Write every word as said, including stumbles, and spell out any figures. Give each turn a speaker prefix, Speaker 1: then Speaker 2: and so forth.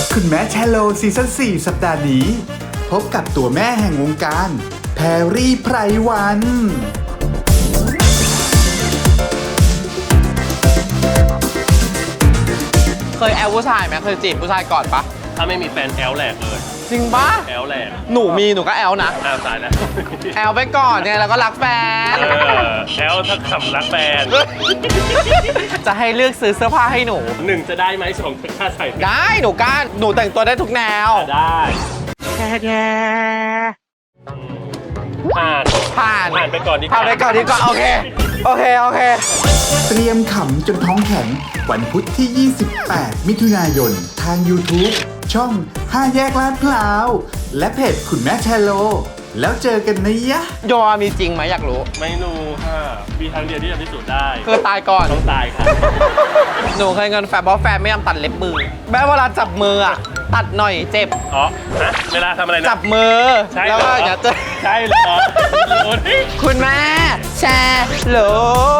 Speaker 1: คุณแม่แชโลซีซั่นสี่สัปดาห์นี้ พบกับตัวแม่แห่งวงการแพรรี่ไพรวัน
Speaker 2: เคยแอลผู้ชายไหมเคยจีบผู้ชายก่อนปะ
Speaker 3: ถ้าไม่มีแฟนแอลแหลกเลย
Speaker 2: จริงปะ
Speaker 3: แอลแหลก
Speaker 2: หนูมีหนูก็แอลนะ
Speaker 3: อ้าวตายแล้ว
Speaker 2: แอลไปก่อนไงแล้วก็รักแฟน
Speaker 3: เออแอลถ้าขำรักแฟน
Speaker 2: จะให้เลือกซื้อเสื้อผ้าให้หนู
Speaker 3: หนึ่งจะได้ไหมสองจะกล้าใส่ไหม
Speaker 2: ได้หนูกล้าหนูแต่งตัวได้ทุกแนว
Speaker 3: ได้ผ่าน
Speaker 2: ผ่าน
Speaker 3: ผ่านไปก่อนดีกว่า
Speaker 2: ผ่านไปก่อนดีกว่าโอเคโอเคโอเค
Speaker 1: เตรียมขำจนท้องแข็งวันพุธที่ ยี่สิบแปด มิถุนายน ทาง YouTube ช่องห้าแยกลาดพร้าว และเพจคุณแม่แชโล แล้วเจอกันนะยะ
Speaker 2: โยมมีจริงไหมอยากรู้
Speaker 3: ไม่รู้ค่ะมีทางเดียวที่จะพิสูจน์ได้
Speaker 2: คือตายก่อน
Speaker 3: ต้องตายค่ะ
Speaker 2: หนูเคยเงินแฟนเพราะแฟนไม่ยอมตัดเล็บมือแม้เวลาจับมืออะตัดหน่อยเจ็บ
Speaker 3: อ๋อฮะเวลาทำอะไรนะ
Speaker 2: จับมือ
Speaker 3: ใช่
Speaker 2: แล้ว
Speaker 3: เหร
Speaker 2: ก็
Speaker 3: อ
Speaker 2: อย่าจะ
Speaker 3: ใช่เหรอโอ้ย
Speaker 2: คุณแม่แชร์โหล